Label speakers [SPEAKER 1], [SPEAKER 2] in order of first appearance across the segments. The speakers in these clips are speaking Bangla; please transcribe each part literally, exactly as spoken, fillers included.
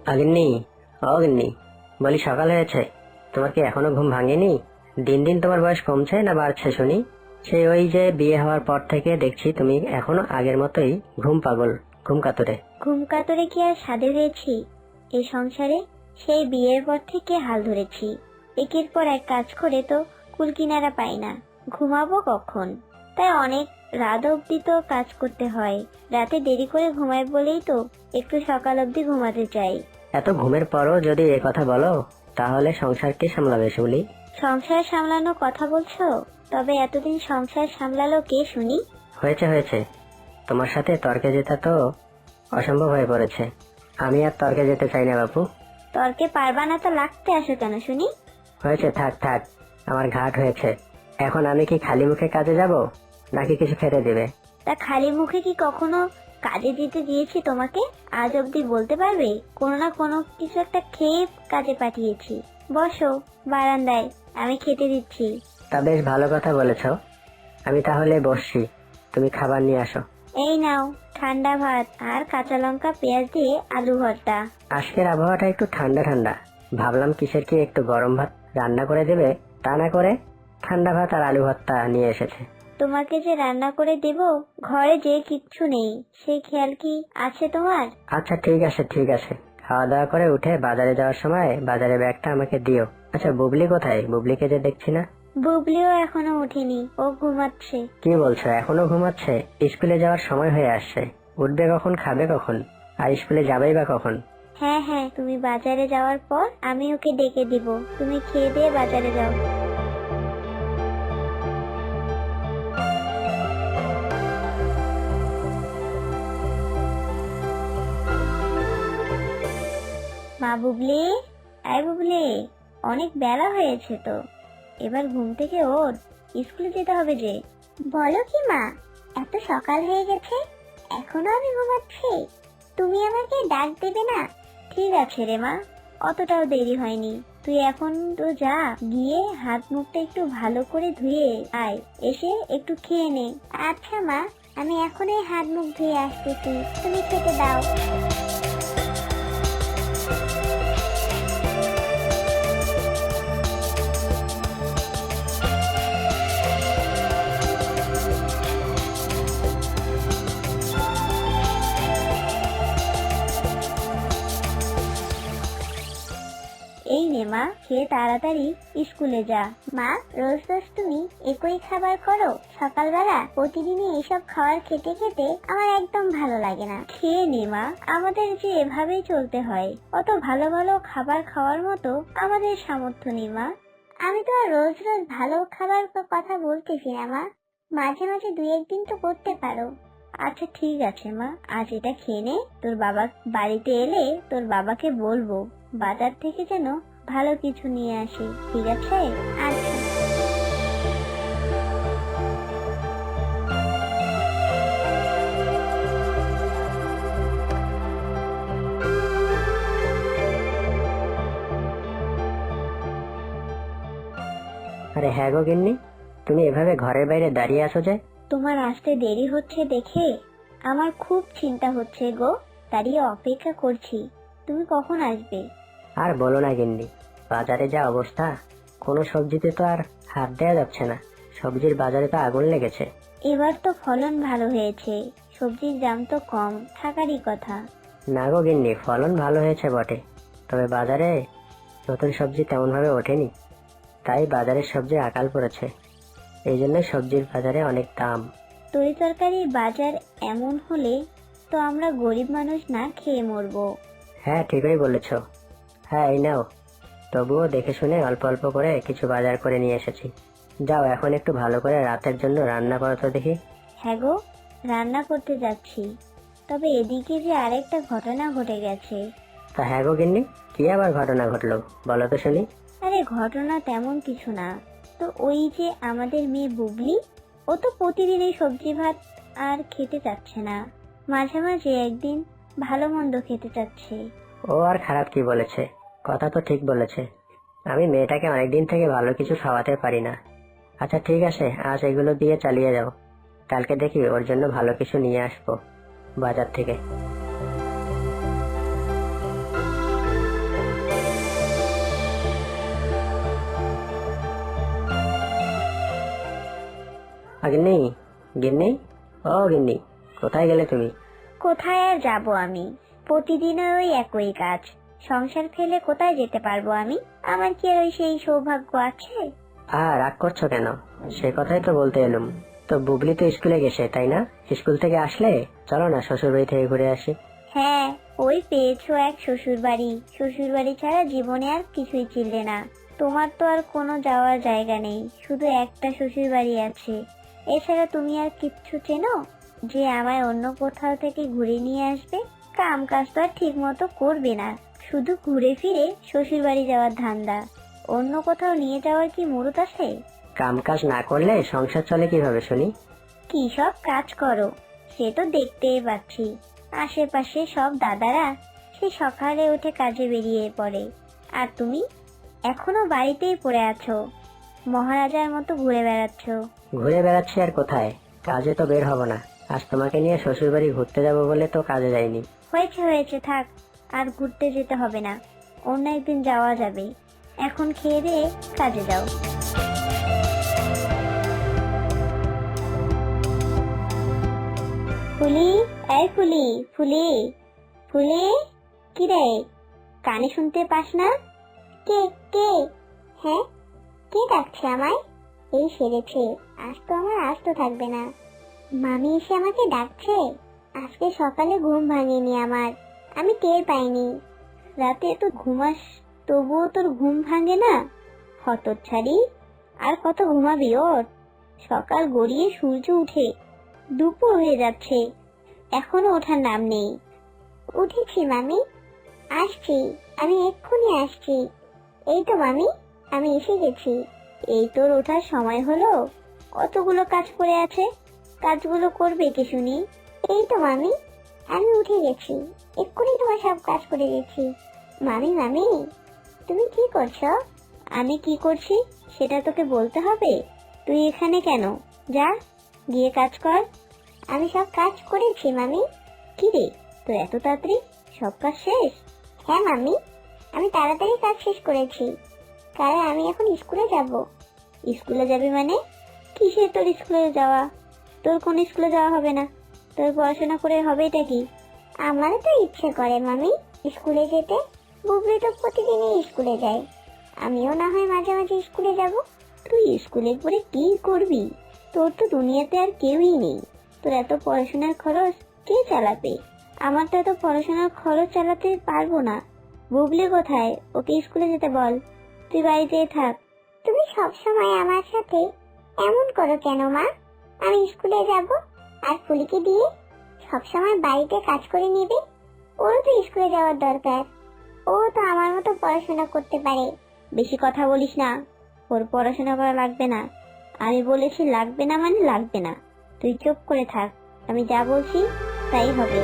[SPEAKER 1] আগিন্নি, অগিন্নি, বলি সকাল হয়েছে, তোমার কি এখনো ঘুম ভাঙেনি? দিন দিন তোমার বয়স কমছে না বাড়ছে শুনি? সেই ওই যে বিয়ে হওয়ার পর থেকে দেখছি তুমি এখনো আগের মতোই ঘুম পাগল, ঘুম কাতুরে।
[SPEAKER 2] ঘুম কাতরে কি আর সাধে হয়েছি এই সংসারে? সেই বিয়ের পর থেকে হাল ধরেছি, একের পর এক কাজ করে তো কুল কিনারা পাই না, ঘুমাবো কখন? তাই অনেক রাত অবধি তো কাজ করতে হয়। রাতে দেরি করে ঘুমাই বলেই তো একটু সকাল অবধি ঘুমাতে চাই।
[SPEAKER 1] এত ঘুমের পরও যদি এ কথা বলো, তাহলে সংসার কে সামলাবে শুনি?
[SPEAKER 2] সংসার সামলানো কথা বলছো? তবে এতদিন সংসার সামলালো কে শুনি?
[SPEAKER 1] হয়েছে হয়েছে, তোমার সাথে তর্কে যেতে তো অসম্ভব হয়ে পড়েছে। আমি আর তর্কে যেতে চাই না বাপু।
[SPEAKER 2] তর্কে পারবা না তো লাগতে আসো কেন শুনি?
[SPEAKER 1] হয়েছে, থাক থাক, আমার ঘাট হয়েছে। এখন আমি কি খালি মুখে কাজে যাব, নাকি কিছু খেতে দেবে?
[SPEAKER 2] তা খালি মুখে কি কখনো কাজে দিতে দিয়েছি তোমাকে? আজ অবধি বলতে পারবে কোনো না কোনো কিছু একটা খেয়ে কাজে পাঠিয়েছি? বসো বারান্দায়, আমি খেতে দিচ্ছি।
[SPEAKER 1] তা বেশ ভালো কথা বলেছ, আমি তাহলে বসছি, তুমি খাবার নিয়ে আসো।
[SPEAKER 2] এই নাও ঠান্ডা ভাত আর কাঁচা লঙ্কা পেঁয়াজ দিয়ে আলু ভর্তা।
[SPEAKER 1] আজকের আবহাওয়াটা একটু ঠান্ডা ঠান্ডা, ভাবলাম কিসের কি একটু গরম ভাত রান্না করে দেবে, তা না করে ঠান্ডা ভাত আর আলু ভর্তা নিয়ে এসেছে।
[SPEAKER 2] তোমাকে যে রান্না করে দেব, ঘরে যে কিচ্ছু নেই সেই খেয়াল কি আছে তোমার?
[SPEAKER 1] আচ্ছা ঠিক আছে ঠিক আছে, খাওয়া দাওয়া করে উঠে বাজারে যাওয়ার সময় বাজারে ব্যাগটা আমাকে দিও। আচ্ছা বুবলি কোথায়? বুবলিকে যে দেখছি না।
[SPEAKER 2] বুবলিও এখনো ওঠেনি, ও ঘুমাচ্ছে।
[SPEAKER 1] কি বলছো, এখনো ঘুমাচ্ছে? স্কুলে যাওয়ার সময় হয়ে আসছে, উঠবে কখন, খাবে কখন, আর স্কুলে যাবেই বা কখন?
[SPEAKER 2] হ্যাঁ হ্যাঁ, তুমি বাজারে যাওয়ার পর আমি ওকে ডেকে দিব, তুমি খেয়ে দিয়ে বাজারে যাও। মা বুবলি, আয় বুবলি, অনেক বেলা হয়েছে তো, এবার ঘুম থেকে ওঠ, স্কুলে যেতে হবে যে। বলো কি মা, এত সকাল হয়ে গেছে, এখনো আমি ঘুমাচ্ছি? তুমি আমাকে ডাক দেবে না? ঠিক আছে রে মা, অতটাও দেরি হয়নি, তুই এখন তো যা, গিয়ে হাত মুখটা একটু ভালো করে ধুয়ে আয়, এসে একটু খেয়ে নে। আচ্ছা মা, আমি এখনই হাত মুখ ধুয়ে আসতেছি, তুমি খেতে দাও। এই নে মা, খেয়ে তাড়াতাড়ি স্কুলে যা। মা, রোজ রোজ তুমি একই খাবার করো সকালবেলা? প্রতিদিনই এসব খাবার খেতে খেতে আমার একদম ভালো লাগে না। খেয়ে নে মা, আমাদের যে এভাবেই চলতে হয়, অত ভালো ভালো খাবার খাওয়ার মতো আমাদের সামর্থ্য নেই মা। আমি তো আর রোজ রোজ ভালো খাবার কথা বলতেছি না মা, মাঝে মাঝে দুই একদিন তো করতে পারো। আচ্ছা ঠিক আছে মা, আজ এটা খেয়ে নে, তোর বাবা বাড়িতে এলে তোর বাবাকে বলবো বাজার থেকে যেন ভালো কিছু নিয়ে আসে, ঠিক আছে? আচ্ছা।
[SPEAKER 1] আরে হ্যাঁ গো গিন্নি, তুমি এভাবে ঘরের বাইরে দাঁড়িয়ে আছো যে?
[SPEAKER 2] তোমার আসতে দেরি হচ্ছে দেখে আমার খুব চিন্তা হচ্ছে গো, দাঁড়িয়ে অপেক্ষা করছি, তুমি কখন আসবে।
[SPEAKER 1] আর বলো না গিন্নি, বাজারে যা অবস্থা, কোনো সবজিতে তো আর হাত দেওয়া যাচ্ছে না, সবজির বাজারে তো আগুন লেগেছে।
[SPEAKER 2] এবার তো ফলন ভালো হয়েছে, সবজির দাম তো কম থাকারই কথা।
[SPEAKER 1] না গো গিন্নি, ফলন ভালো হয়েছে বটে, তবে বাজারে নতুন সবজি তেমন ভাবে ওঠেনি, তাই বাজারের সবজি আকাল পড়েছে, এই জন্য সবজির বাজারে অনেক দাম।
[SPEAKER 2] তরি তরকারির বাজার এমন হলে তো আমরা গরিব মানুষ না খেয়ে মরবো।
[SPEAKER 1] হ্যাঁ ঠিকই বলেছ। হ্যাঁ এই নাও, তবুও দেখে শুনে অল্প অল্প করে কিছু বাজার করে নিয়ে এসেছি, যাও এখন একটু ভালো করে রাতের জন্য রান্না করো তো দেখি।
[SPEAKER 2] হ্যাঁ গো, রান্না করতে যাচ্ছি, তবে এদিকে যে আরেকটা ঘটনা ঘটে গেছে।
[SPEAKER 1] তা হ্যাঁ গো গিন্নি, কি আবার ঘটনা ঘটলো, বলো তো শুনি।
[SPEAKER 2] আরে ঘটনা তেমন কিছু না, তো ওই যে আমাদের মেয়ে বুবলি, ও তো প্রতিদিনই সবজি ভাত আর খেতে চাচ্ছে না, মাঝে মাঝে একদিন ভালো মন্দ খেতে চাচ্ছে।
[SPEAKER 1] ও আর খারাপ কি বলেছে, কথা তো ঠিক বলেছে, আমি মেয়েটাকে অনেকদিন থেকে ভালো কিছু খাওয়াতে পারি না। আচ্ছা ঠিক আছে, আজ এগুলো দিয়ে চালিয়ে যাও, কালকে দেখি ওর জন্য ভালো কিছু নিয়ে আসবো বাজার থেকে। গিন্নি, গিন্নি, ও গিন্নি, কোথায় গেলে তুমি?
[SPEAKER 2] কোথায় আর যাব আমি? প্রতিদিনের ওই একই কাজ। সংসার ফেলে কোথায় যেতে পারবো আমি? আমার কি আর ওই সেই সৌভাগ্য আছে?
[SPEAKER 1] আর রাগ করছো কেন? সে কথাই তো বলতে এলুম। তো বুবলি তো স্কুলে গেছে তাই না? স্কুল থেকে আসলে চলো না শ্বশুর বাড়ি থেকে ঘুরে আসি।
[SPEAKER 2] হ্যাঁ, ওই পেয়েছো এক শ্বশুর বাড়ি। শ্বশুর বাড়ি ছাড়া জীবনে আর কিছুই চিনলে না। তোমার তো আর কোনো যাওয়ার জায়গা নেই, শুধু একটা শ্বশুর বাড়ি আছে। এছাড়া তুমি আর কিচ্ছু চেনো যে আমায় অন্য কোথাও থেকে ঘুরে নিয়ে আসবে? কাম কাজ তো আর ঠিক মতো করবে না, শুধু ঘুরে ফিরে শ্বশুর বাড়ি যাওয়ার ধান্দা। অন্য কোথাও নিয়ে যাওয়ার কি মুরত আছে?
[SPEAKER 1] কাম কাজ না করলে সংসার চলে কিভাবে শুনি?
[SPEAKER 2] কি সব কাজ করো সে তো দেখতেই পাচ্ছি। আশেপাশে সব দাদারা সে সকালে উঠে কাজে বেরিয়ে পড়ে, আর তুমি এখনো বাড়িতেই পড়ে আছো, মহারাজার মতো ঘুরে বেড়াচ্ছ।
[SPEAKER 1] ঘুরে বেড়াচ্ছি আর কোথায়? কাজে তো বের হব না। আজ তোমাকে নিয়ে শ্বশুর বাড়ি ঘুরতে যাবো বলে তো কাজে যাইনি।
[SPEAKER 2] হয়েছে হয়েছে, থাক, আর ঘুরতে যেতে হবে না, অন্য একদিন যাওয়া যাবে। এখন খেয়ে দিয়ে কাজে যাও। ফুলি, এই ফুলি, ফুলি, ফুলি, কি রে, কানে শুনতে পাস না? কে কে? হ্যাঁ, কে ডাকছে আমায়? এই সেরেছে, আজ তো আমার আস্ত থাকবে না। মামি এসে আমাকে ডাকছে। আজকে সকালে ঘুম ভাঙেনি আমার, আমি টের পাইনি। রাতে তো ঘুমাস, তবুও তোর ঘুম ভাঙে না? হতচ্ছাড়ি, আর কত ঘুমাবি? ওর সকাল গড়িয়ে সূর্য উঠে দুপুর হয়ে যাচ্ছে, এখনো ওঠার নাম নেই। উঠেছি মামি, আসছি, আমি এক্ষুনি আসছি। এই তো মামি, আমি এসে গেছি। এই তোর ওঠার সময় হলো? কতগুলো কাজ পড়ে আছে, কাজগুলো করবে কে শুনি? এই তো মামি, আমি উঠে গেছি, এক্ষুনি তোমার সব কাজ করে গেছি। মামি মামি, তুমি কি করছো? আমি কি করছি সেটা তোকে বলতে হবে? তুই এখানে কেন? যা, গিয়ে কাজ কর। আমি সব কাজ করেছি মামি। কি রে, তোর এত তাড়াতাড়ি সব কাজ শেষ? হ্যাঁ মামি, আমি তাড়াতাড়ি কাজ শেষ করেছি, কারণ আমি এখন স্কুলে যাব। স্কুলে যাবি মানে? কিসের তোর স্কুলে যাওয়া? তোর কোন স্কুলে যাওয়া হবে না, তোর পড়াশোনা করে হবে এটা কি? আমারও তো ইচ্ছে করে মামি স্কুলে যেতে। বুবলি তো প্রতিদিনই স্কুলে যায়, আমিও না হয় মাঝে মাঝে স্কুলে যাব। তুই স্কুলে পড়ে কি করবি? তোর তো দুনিয়াতে আর কেউই নেই, তোর এত পড়াশোনার খরচ কে চালাবে? আমার তো এত পড়াশোনার খরচ চালাতে পারবো না। বুবলি কোথায়? ওকে স্কুলে যেতে বল, তুই বাড়িতেই থাক। তুমি সব সময় আমার সাথে এমন করো কেন মা? আমি স্কুলে যাব আর ফুলিকে দিয়ে সব সময় বাড়িতে কাজ করে নেবে। ওর তো স্কুলে যাওয়ার দরকার, ও তো আমার মতো পড়াশোনা করতে পারে। বেশি কথা বলিস না, ওর পড়াশোনা করা লাগবে না। আমি বলেছি লাগবে না মানে লাগবে না, তুই চুপ করে থাক, আমি যা বলছি তাই হবে।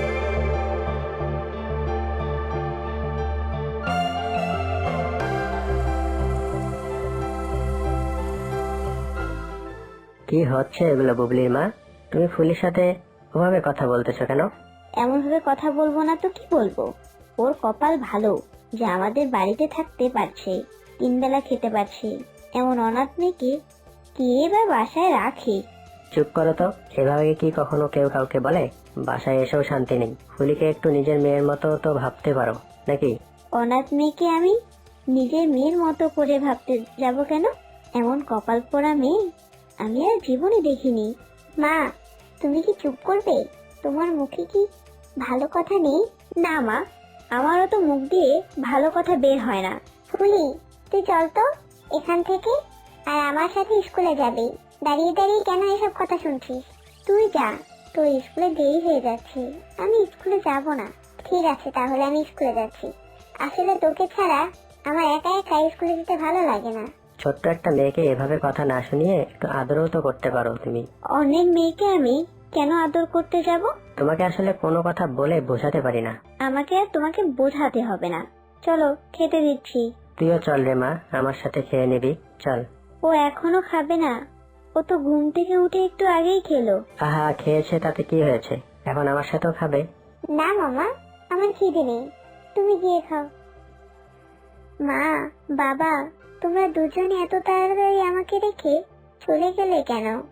[SPEAKER 1] কি হচ্ছে এগুলো বুবলির মা? তুমি ফুলির সাথে ওভাবে কথা বলতেছো কেন?
[SPEAKER 2] এমন ভাবে কথা বলবো না তো কি বলবো? ওর কপাল ভালো যে আমাদের বাড়িতে থাকতে পারছে, তিন বেলা খেতে পারছে। এমন অনাথ মেয়েকে কে বা বাসায় রাখে?
[SPEAKER 1] চুপ করো তো, এভাবে কি কখনো কেউ কাউকে বলে? বাসায় এসেও শান্তি নেই। ফুলিকে একটু নিজের মেয়ের মতো তো ভাবতে পারো নাকি?
[SPEAKER 2] অনাথ মেয়েকে আমি নিজের মেয়ের মতো করে ভাবতে যাব কেন? এমন কপাল পোড়া মেয়ে আমি আর জীবনে দেখিনি। মা, তুমি কি চুপ করবে? তোমার মুখে কি ভালো কথা নেই? না মা, আমারও তো মুখ দিয়ে ভালো কথা বের হয় না। ফুলি, তুই চল তো এখান থেকে, আর আমার সাথে স্কুলে যাবি। দাঁড়িয়ে দাঁড়িয়ে কেন এসব কথা শুনছিস? তুই যা, তোর স্কুলে দেরি হয়ে যাচ্ছে। আমি স্কুলে যাব না। ঠিক আছে, তাহলে আমি স্কুলে যাচ্ছি। আসলে তোকে ছাড়া আমার একা একা স্কুলে যেতে ভালো লাগে না।
[SPEAKER 1] ছোট্ট একটা মেয়েকে এভাবে কথা না শুনিয়ে একটু আদরও তো করতে পারো তুমি।
[SPEAKER 2] অনেক মেয়েকে আমি কেন আদর করতে যাব?
[SPEAKER 1] তোমাকে আসলে কোনো কথা বলে বোঝাতে পারি না।
[SPEAKER 2] আমাকে আর তোমাকে বোঝাতে হবে না, চলো খেতে দিচ্ছি।
[SPEAKER 1] তুইও চল রে মা, আমার সাথে খেয়ে নিবি, চল।
[SPEAKER 2] ও এখনো খাবে না? ও তো ঘুম থেকে উঠে একটু আগেই খেলো।
[SPEAKER 1] আহা, খেয়েছে তাতে কি হয়েছে, এখন আমার সাথেও খাবে।
[SPEAKER 2] না মামা, আমার খিদে নেই, তুমি গিয়ে খাও। মা, বাবা, তোমরা দুজনে এত তাড়াতাড়ি আমাকে রেখে চলে গেলে কেন?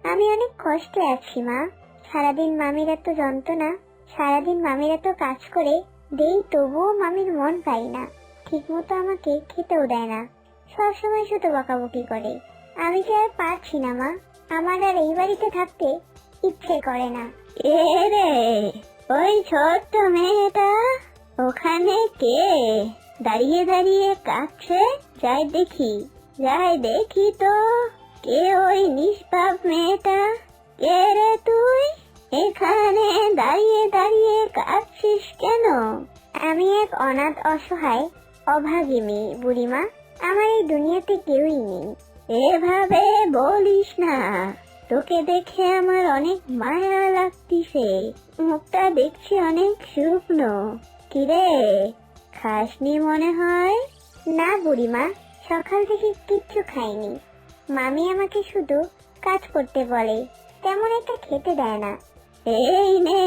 [SPEAKER 2] আমি অনেক কষ্টে আছি মা। সারাদিন মামির এত যন্ত্রণা, সারাদিন মামির এত কাজ করে দেই, তবুও মামির মন পাই না। ঠিক মতো আমাকে খেতেও দেয় না, সবসময় শুধু বকাবকি করে। আমি যে আর পারছি না মা, আমার আর এই বাড়িতে থাকতে ইচ্ছে করে না। এ রে, ওই ছোট্ট মেয়েটা ওখানে কে দাঁড়িয়ে দাঁড়িয়ে কাঁদছে? যাই দেখি, যাই দেখি তো কে ওই নিষ্পাপ মেয়েটা। কে রে তুই, এখানে দাঁড়িয়ে দাঁড়িয়ে কাঁদছিস কেন? আমি এক অনাথ অসহায় অভাগী মেয়ে বুড়িমা, আমার এই দুনিয়াতে কেউই নেই। এভাবে বলিস না, তোকে দেখে আমার অনেক মায়া লাগতিছে। মুখটা দেখছি অনেক শুকনো। কিরে, খাসনি মনে হয়? না বুড়িমা, সকাল থেকে কিচ্ছু খাইনি। মামি আমাকে শুধু কাজ করতে বলে, তেমন একটা খেতে দেয় না। এই নে,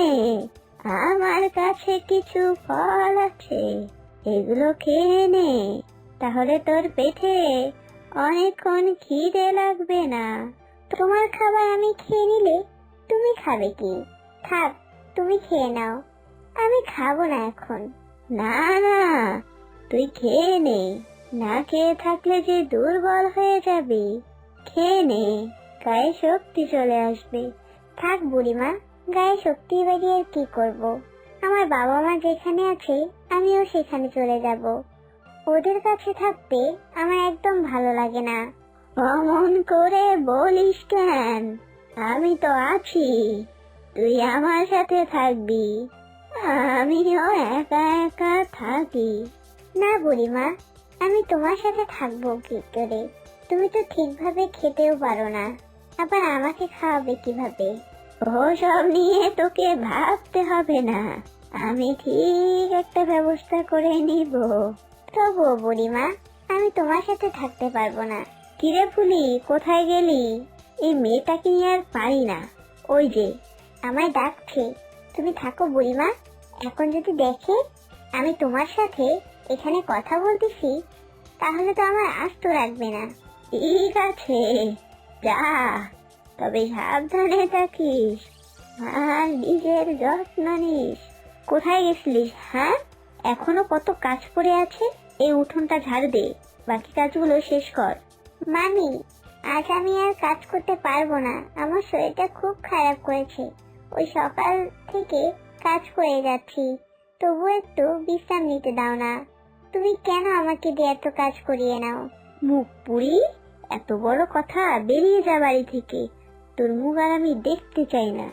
[SPEAKER 2] আমার কাছে কিছু ফল আছে, এগুলো খেয়ে নে, তাহলে তোর পেটে অনেকক্ষণ খিদে লাগবে না। তোমার খাবার আমি খেয়ে নিলে তুমি খাবে কি? থাক, তুমি খেয়ে নাও, আমি খাবো না এখন। না না, তুই খেয়ে নে, না খেয়ে থাকলে যে দুর্বল হয়ে যাবি। খেয়ে নে, গায়ে শক্তি চলে আসবে। থাক বুড়িমা, গায়ে শক্তি বাড়িয়ে আর কি করব? আমার বাবা মা যেখানে আছে আমিও সেখানে চলে যাব। ওদের কাছে থাকতে আমার একদম ভালো লাগে না। অমন করে বলিস কেন? আমি তো আছি, তুই আমার সাথে থাকবি। আমিও একা একা থাকি। না বুড়িমা, আমি তোমার সাথে থাকবো কি করে? তুমি তো ঠিকভাবে খেতেও পারো না, আবার আমাকে খাওয়াবে কিভাবে? ওসব নিয়ে তোকে ভাবতে হবে না, আমি ঠিক একটা ব্যবস্থা করে নিব। তবুও বুড়িমা, আমি তোমার সাথে থাকতে পারবো না। কিরে ফুলি, কোথায় গেলি? এই মেয়েটাকে নিয়ে আর পারি না। ওই যে আমায় ডাকছে। তুমি থাকো বুড়িমা, এখন যদি দেখে আমি তোমার সাথে এখানে কথা বলতেছি তাহলে তো আমার আস্ত রাখবে না। ঠিক আছে, যা, তবে সাবধানে থাকিস আর নিজের যত্ন নিস। কোথায় গেছিলিস? হ্যাঁ, এখনো কত কাজ পড়ে আছে। এই উঠোনটা ঝাড়ু দে, বাকি কাজগুলো শেষ কর। মামি, আজ আমি আর কাজ করতে পারবো না, আমার শরীরটা খুব খারাপ করেছে। ওই সকাল থেকে কাজ করে যাচ্ছি, তবু একটু বিশ্রাম নিতে দাও না। তুমি কেন আমাকে দিয়ে এত কাজ করিয়ে নাও? মুখ পুরি, এত বড় কথা, বেরিয়ে যা বাড়ি থেকে। তোর মুখ আর আমি দেখতে চাই না।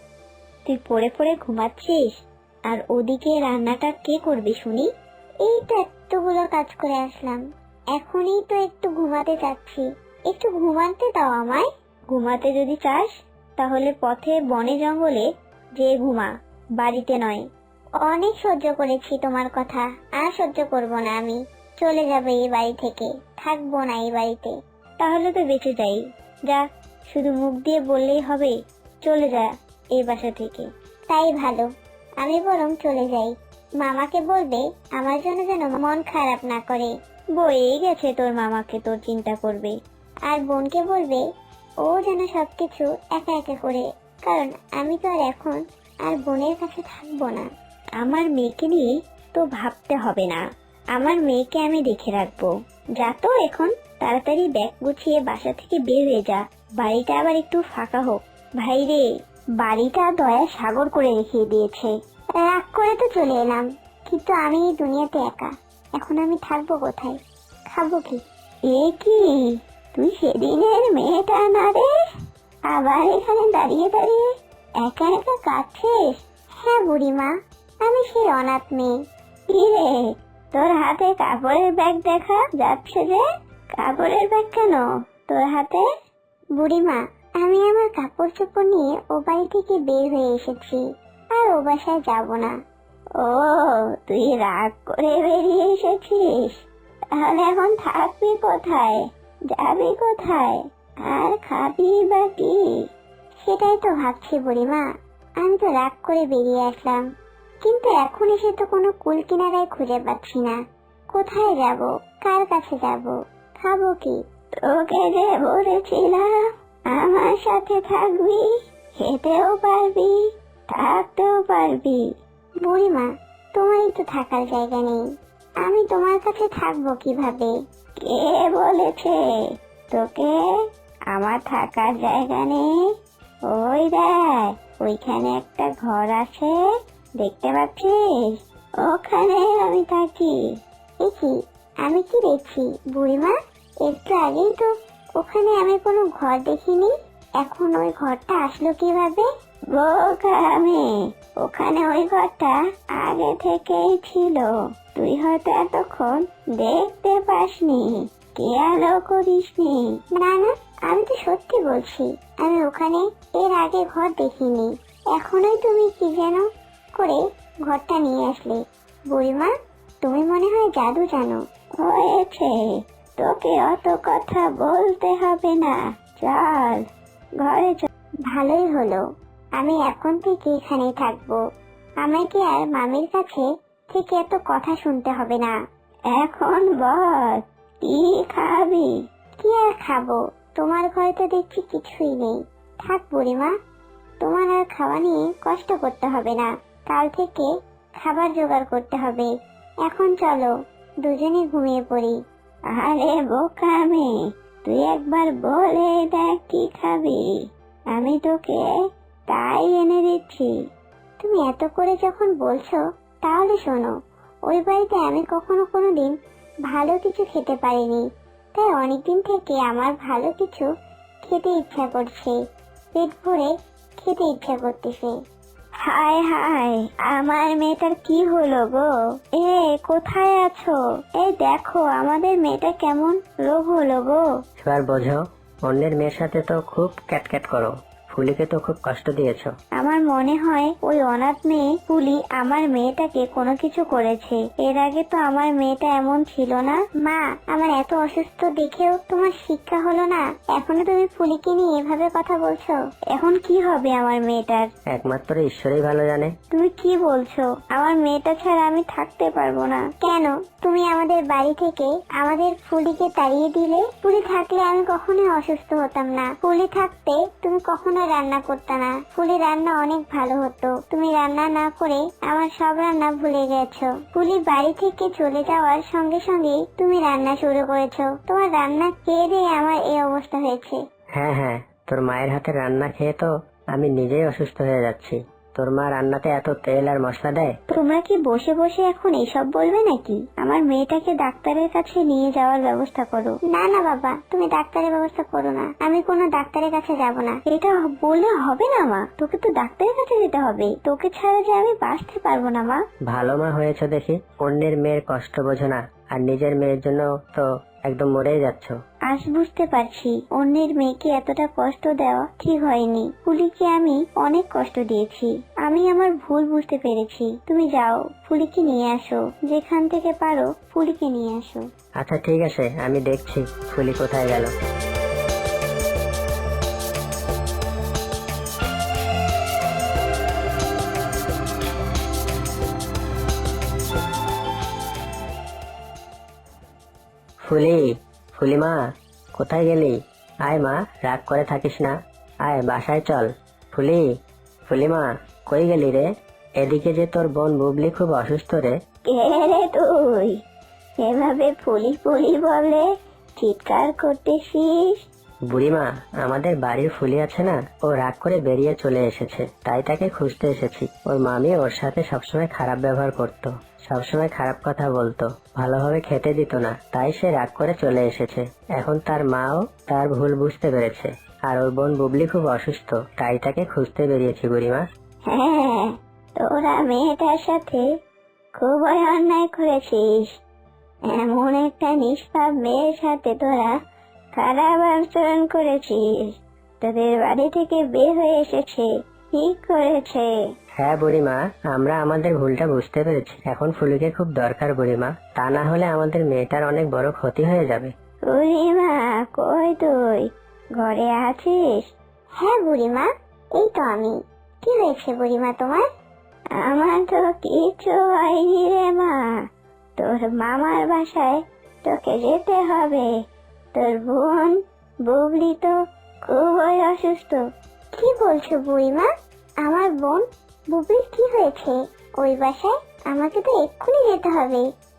[SPEAKER 2] তুই পড়ে পড়ে ঘুমাচ্ছিস, আর ওদিকে রান্নাটা কে করবে শুনি? এই তো এতগুলো কাজ করে আসলাম, এখনই তো একটু ঘুমাতে যাচ্ছি। একটু ঘুমাতে দাও আমায়। ঘুমাতে যদি চাস তাহলে পথে বনে জঙ্গলে যে ঘুমা, বাড়িতে নয়। অনেক সহ্য করেছি তোমার কথা, আর সহ্য করব না আমি। চলে যাবে এই বাড়ি থেকে, থাকবো না এই বাড়িতে। তাহলে তো বেঁচে যাই, যা, শুধু মুখ দিয়ে বললেই হবে চলে যা এই বাসা থেকে। তাই ভালো, আমি বরং চলে যাই। মামাকে বলবে আমার জন্য যেন মন খারাপ না করে। বয়েই গেছে তোর মামাকে তোর চিন্তা করবে। আর বোনকে বলবে ও যেন সবকিছু একা একা করে, কারণ আমি তো আর এখন আর বোনের কাছে থাকবো না। আমার মেয়েকে নিয়ে তো ভাবতে হবে না, আমার মেয়েকে আমি দেখে রাখবো। যা তো এখন তাড়াতাড়ি ব্যাগ গুছিয়ে বাসা থেকে বের হয়ে যা, বাড়িটা আবার একটু ফাঁকা হোক। ভাই রে, বাড়িটা দয়া সাগর করে রেখে দিয়েছে। রাগ করে তো চলে এলাম, কিন্তু আমি এই দুনিয়াতে একা। এখন আমি থাকবো কোথায়, খাবো কি? এ কি, তুই সেদিনের মেয়েটা না রে? আবার এখানে দাঁড়িয়ে দাঁড়িয়ে একা একা কাঁদছিস? হ্যাঁ বুড়িমা, আমি সেই অনাথ মেয়ে। কি রে, তোর হাতে কাপড়ের ব্যাগ দেখা যাচ্ছে যে? কাপড়ের ব্যাগ কেন তোর হাতে? বুড়িমা, আমি আমার কাপড় চোপড় নিয়ে ও বাড়ি থেকে বের হয়ে এসেছি, আর ও বাসায় যাব না। ও, তুই রাগ করে বেরিয়ে এসেছিস? তাহলে এখন থাকবি কোথায়, যাবি কোথায়, আর খাবি বা কি? সেটাই তো ভাবছি বুড়িমা, আমি তো রাগ করে বেরিয়ে আসলাম, কিন্তু এখন এসে তো কোনো কুল কিনারায় খুঁজে পাচ্ছি না। কোথায় যাব, কার কাছে যাব, খাবো কি? তোকে যে বলেছিলাম আমার সাথে থাকবি, খেতেও পারবি, থাকতেও পারবি। বুড়িমা, তোমারই তো থাকার জায়গা নেই, আমি তোমার কাছে থাকবো কিভাবে? কে বলেছে তোকে আমার থাকার জায়গা নেই? ওই দেখ, ওইখানে একটা ঘর আছে, দেখতে পাচ্ছিস? ওখানে আমি থাকি। দেখি, আমি কি দেখছি বুড়িমা? একটু আগেই তো ওখানে আমি কোনো ঘর দেখিনি, এখন ওই ঘরটা আসলো কিভাবে? বোকা আমি, ওখানে ওই ঘরটা আগে থেকেই ছিল, তুই হয়তো এতক্ষণ দেখতে পাসনি, খেয়ালও করিসনি। না না, আমি তো সত্যি বলছি, আমি ওখানে এর আগে ঘর দেখিনি, এখনই তুমি কি যেন করে ঘরটা নিয়ে আসলে। বুড়িমা, তুমি মনে হয় জাদু জানো। হয়েছে, তোকে অত কথা বলতে হবে না, চল ঘরে চল। ভালোই হলো, আমি এখন থেকে এখানেই থাকবো, আমাকে আর মামির কাছে থেকে এত কথা শুনতে হবে না। এখন বল, কি খাবি? কি আর খাবো, তোমার ঘরে তো দেখছি কিছুই নেই। থাক বুড়িমা, তোমার আর খাওয়া নিয়ে কষ্ট করতে হবে না, কাল থেকে খাবার জোগাড় করতে হবে। এখন চলো দুজনে ঘুমিয়ে পড়ি। আরে বোকা মেয়ে, তুই একবার বলে দেখ কি খাবি, আমি তোকে তাই এনে দিচ্ছি। তুমি এত করে যখন বলছো তাহলে শোনো, ওই বাড়িতে আমি কখনো কোনোদিন ভালো কিছু খেতে পারিনি, তাই অনেকদিন থেকে আমার ভালো কিছু খেতে ইচ্ছা করছে, পেট ভরে খেতে ইচ্ছা করতেছে। হায় হায়, আমার মেয়েটার কি হলো গো? এ কোথায় আছো? এই দেখো আমাদের মেয়েটা কেমন রোগ হলো গো।
[SPEAKER 1] এবার বোঝো, অন্যের মেয়ের সাথে তো খুব ক্যাটক্যাট করো, ফুলিকে তো খুব কষ্ট দিয়েছো।
[SPEAKER 2] আমার মনে হয় ওই অনাথ মেয়ে ফুলি আমার মেয়েটাকে কোনো কিছু করেছে, এর আগে তো আমার মেয়েটা এমন ছিল না। মা, আমার এত অসুস্থ দেখেও তোমার শিক্ষা হলো না, এখনো তুমি ফুলিকে নিয়ে এভাবে কথা বলছো। এখন কি হবে আমার মেয়েটার?
[SPEAKER 1] একমাত্র ঈশ্বরই ভালো জানে।
[SPEAKER 2] তুমি কি বলছো? আমার মেয়েটা ছাড়া আমি থাকতে পারবো না। কেন? তুমি আমাদের বাড়ি থেকে আমাদের ফুলিকে তাড়িয়ে দিলে। ফুলি থাকলে আমি কখনোই অসুস্থ হতাম না, ফুলি থাকতে তুমি কখনো রান্না করতে না, ফুলি রান্না অনেক ভালো হতো, তুমি রান্না না করে আমার সব রান্না ভুলে গেছো। ফুলি বাড়ি থেকে চলে যাওয়ার সঙ্গে সঙ্গে তুমি রান্না শুরু করেছো, তোমার রান্না খেয়ে দিয়ে আমার এই অবস্থা হয়েছে।
[SPEAKER 1] হ্যাঁ হ্যাঁ, তোর মায়ের হাতের রান্না খেয়ে তো আমি নিজেই অসুস্থ হয়ে যাচ্ছি। তোর মা রান্নাতে এত তেল আর মশলা দেয়।
[SPEAKER 2] তোমরা কি বসে বসে এখন এইসব বলবে নাকি? আমার মেয়েটাকে ডাক্তারের কাছে নিয়ে যাওয়ার ব্যবস্থা করো। না না বাবা, তুমি ডাক্তারের ব্যবস্থা করো না, আমি কোনো ডাক্তারের কাছে যাব না। এটা বললে হবে না মা, তোকে তো ডাক্তারের কাছে যেতে হবে, তোকে ছাড়া যে আমি বাঁচতে পারবো না মা।
[SPEAKER 1] ভালো মা হয়েছে দেখি, অন্যের মেয়ের কষ্ট বোঝো না, আর নিজের মেয়ের জন্য তো একদম মরেই যাচ্ছ।
[SPEAKER 2] আজ বুঝতে পারছি অন্যের মেয়েকে এতটা কষ্ট দেওয়া ঠিক হয়নি। ফুলিকে আমি অনেক কষ্ট দিয়েছি, আমি আমার ভুল বুঝতে পেরেছি। তুমি যাও, ফুলিকে নিয়ে আসো, যেখান থেকে পারো ফুলিকে নিয়ে আসো।
[SPEAKER 1] আচ্ছা ঠিক আছে, আমি দেখছি ফুলি কোথায় গেল। ফুলি, ফুলি মা, কোথায় গেলি? আয় মা, রাগ করে থাকিস না, আয় বাসায় চল। ফুলি, ফুলি মা, কই গেলি রে? এদিকে যে তোর বোন বুবলি খুব অসুস্থ রে।
[SPEAKER 2] কে রে তুই? এভাবে ফুলি ফুলি বলে চিৎকার করতেছিস?
[SPEAKER 1] বুড়িমা, আমাদের বাড়ির ফুলি আছে না, ও রাগ করে বেরিয়ে চলে এসেছে, তাই তাকে খুঁজতে এসেছি। ওর মামি ওর সাথে সবসময় খারাপ ব্যবহার করতো, সবসময় খারাপ কথা বলতো, ভালোভাবে খেতে দিত না, তাই সে রাগ করে চলে এসেছে। এখন তার মাও তার ভুল বুঝতে পেরেছে, আর ওর বোন বুবলি খুব অসুস্থ, তাই তাকে খুঁজতে বেরিয়েছি বুড়িমা।
[SPEAKER 2] হ্যাঁ, তোরা মেয়েটার সাথে খুবই অন্যায় করেছিস, এমন একটা নিষ্পাপ মেয়ের সাথে তোরা খারাপ আচরণ করেছিস, তোদের বাড়ি থেকে বের হয়ে এসেছে, ঠিক করেছে।
[SPEAKER 1] হ্যাঁ বুড়িমা, আমরা আমাদের ভুলটা বুঝতে পেরেছি, এখন ফুলিকে খুব দরকার বুড়িমা, তা না হলে আমাদের মেয়েটার অনেক বড় ক্ষতি হয়ে যাবে।
[SPEAKER 2] বুড়িমা, কই তুই? ঘরে আছিস? হ্যাঁ বুড়িমা, এই তো আমি। কি হয়েছে বুড়িমা তোমার? আমার তো কিছু হয়নি রে মা, তোর মামার বাসায় তোকে যেতে হবে, তোর বোন বুবলি তো খুবই অসুস্থ। কি বলছো বুড়িমা? আমার বোন বুবির কি হয়েছে? ওই বাসায় আমাকে তো এক্ষুনি যেতে হবে।